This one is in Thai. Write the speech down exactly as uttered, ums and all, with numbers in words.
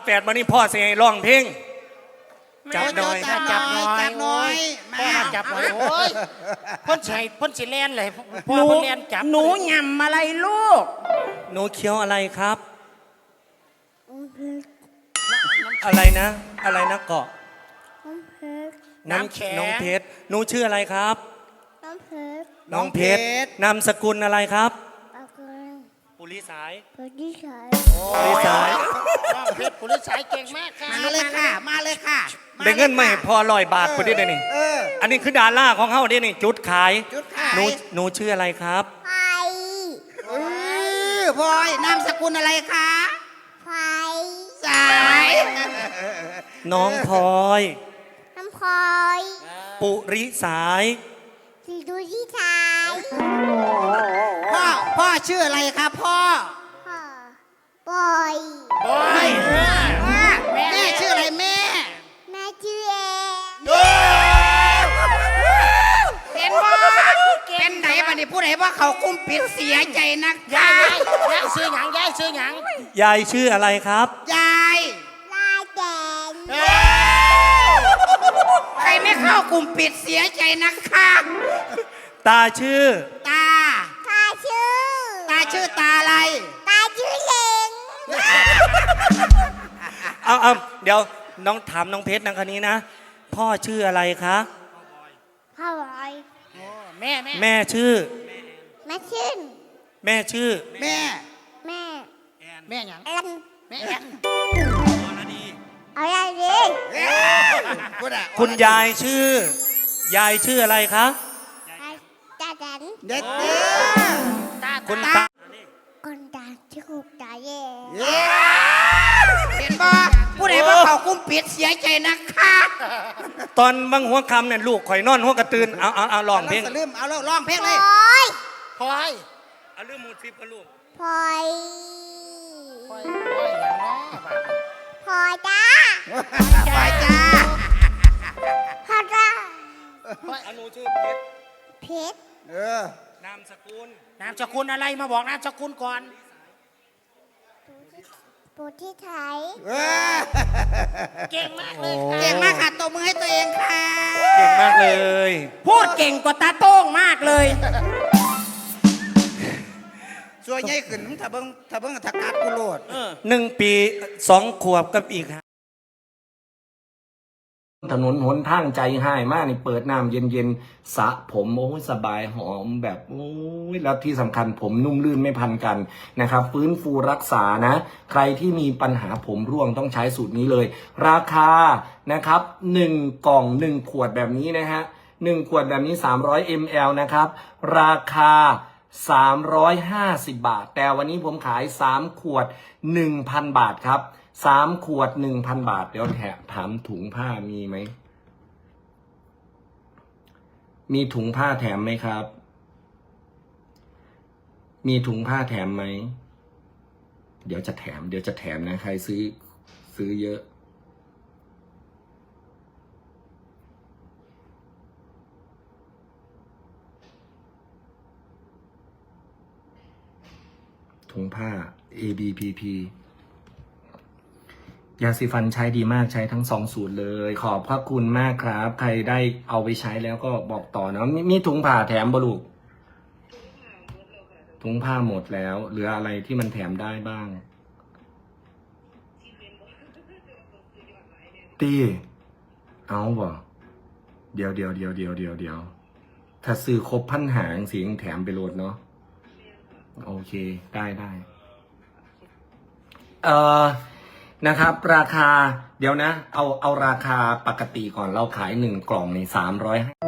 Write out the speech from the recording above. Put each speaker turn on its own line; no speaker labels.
แปดวันนี้พ่อเสียร้องเพลงจับหน่อย
จับจับหน่อย
จับหน่อย
พ่อมาจับหน่อยโอ้ยพ่นใส่พ่นสีแลนเลยพ่อ
หนู
พ่นแลนจับ
หนูยำอะไรลูก
หนูเคี้ยวอะไรครับ อะไรนะ อะไรนะเกาะน้ำแข็งน้องเพชรหนูชื่ออะไรครับ
น้ำเพชร
น้องเพชรนามสกุลอะไรครับ
ปากกา
ปุริสาย
ปากที่สาย
ปุริสาย
น้องเพชรผู้ลิสายเก่งมากค่ะ
มาเลยค่ะ มาเลยค่ะ
ได้เงินมาให้พอลอยบาทพอดีเลยนี่
เออ
อันนี้คือดาราของเขาเด้นี่จุดขาย
จุดขาย
หนูหนูชื่ออะไรครับ
ไฟ
เออพลอยนามสกุลอะไรคะ
ไฟ
สาย
น้องพลอย
น้ำพลอย
ปุริสาย
สีดูที่ชาย
พ่อพ่อชื่ออะไรครับพ่อ
พ่อปอย
โอ้ย
พ่อแม่ชื่ออะไรแม่
แม่ชื่อเอง
เป็นบ่เป็นไหนบัดนี้ผู้ใดว่าเขากุ้มปิดเสียใจนัก
ยาย
ยาย
ยายซื้อหยังยายซื้อหยัง
ยายชื่ออะไรครับ
ยาย
ลายแดง
ใครไม่เข้ากลุ่มปิดเสียใจนักค่ะ
ตาชื่อ
ตา
ตาชื่อ
ตาชื่อตาอะไร
ตาชื่อเล็ง
เอาเอาเดี๋ยวน้องถามน้องเพชรนังคนนี้นะ พ่อชื่ออะไรคะ
พ่อบอย
โอ้แม่แม่
แม่ชื่อ
แม่ชื่น
แม่ชื่อ
แม่
แม่
แม่หยัง
เอ็น
แม่แอน
เอาอะไรดี
พูดอะ
คุณยายชื่อ ยายชื่ออะไรคะ
ตาดัน
เด็ดเด้
ตา
คุณ
ตา
ตา
คนตาชื่อตาเย่
อเห็นบ่ผู้ใดว่าเขากุ้มปิดเสียใจนักค่ะ
ตอนบางหัวคำเนี่ยลูกข่อยนอนหัวกระตือนเอาเอาเอาลองเพลง
สลืมเอาแล้วร้องเพลง
พ
เล
ล
ย
อย
พลอย
เอาเรื่องมูดฟิปกันลูก
พลอย
พลอยพลอยหยังเนาะบัด
พลอยจ้า
ไปจ้า
พลอยจ้า
อนุชื่อเพชร
เพชร
เออน
ามสกุล
นามสกุลอะไรมาบอกนามสกุลก่อน
ปูที่ไทย
เออ
เก่งมากเลยค่ะ
เก่งมากค่ะตบมือให้ตัวเองค่ะ
เก่งมากเลย
พูดเก่งกว่าตาโต้งมากเลย
สวยใหญ่ขึ้นถ้าเบิ้งถ้าเบิ้งถ้ากัดกูโลด
หนึ่งปีสองขวบกับอีกถนนหนทางใจหายมากนี่เปิดน้ำเย็นๆสระผมโอ้ยสบายหอมแบบโอ้ยแล้วที่สำคัญผมนุ่มลื่นไม่พันกันนะครับฟื้นฟูรักษานะใครที่มีปัญหาผมร่วงต้องใช้สูตรนี้เลย ราคานะครับหนึ่งกล่องหนึ่งขวดแบบนี้นะฮะหนึ่งขวดแบบนี้สามร้อยมิลลิลิตร นะครับราคาสามร้อยห้าสิบบาทแต่วันนี้ผมขายสามขวด หนึ่งพัน บาทครับสามขวด หนึ่งพัน บาทเดี๋ยวแถมถามถุงผ้ามีไหมมีถุงผ้าแถมไหมครับมีถุงผ้าแถมไหมเดี๋ยวจะแถมเดี๋ยวจะแถมนะใครซื้อซื้อเยอะถุงผ้า เอ บี พี พี ยาสีฟันใช้ดีมากใช้ทั้งสองสูตรเลยขอบพระคุณมากครับ ใครได้เอาไปใช้แล้วก็บอกต่อนะมมีถุงผ้าแถมบลูกถุงผ้าหมดแล้วเหลืออะไรที่มันแถมได้บ้างตีเอาบ่เดี๋ยวเดี๋ยวเดี๋ยวเดี๋ยวเดี๋ยวเดี๋ยวถ้าซื้อครบพันหางเสียงแถมไปโหลดเนาะโอเคได้ได้เอ่อนะครับราคาเดี๋ยวนะเอาเอาราคาปกติก่อนเราขายหนึ่งกล่องในสามร้อย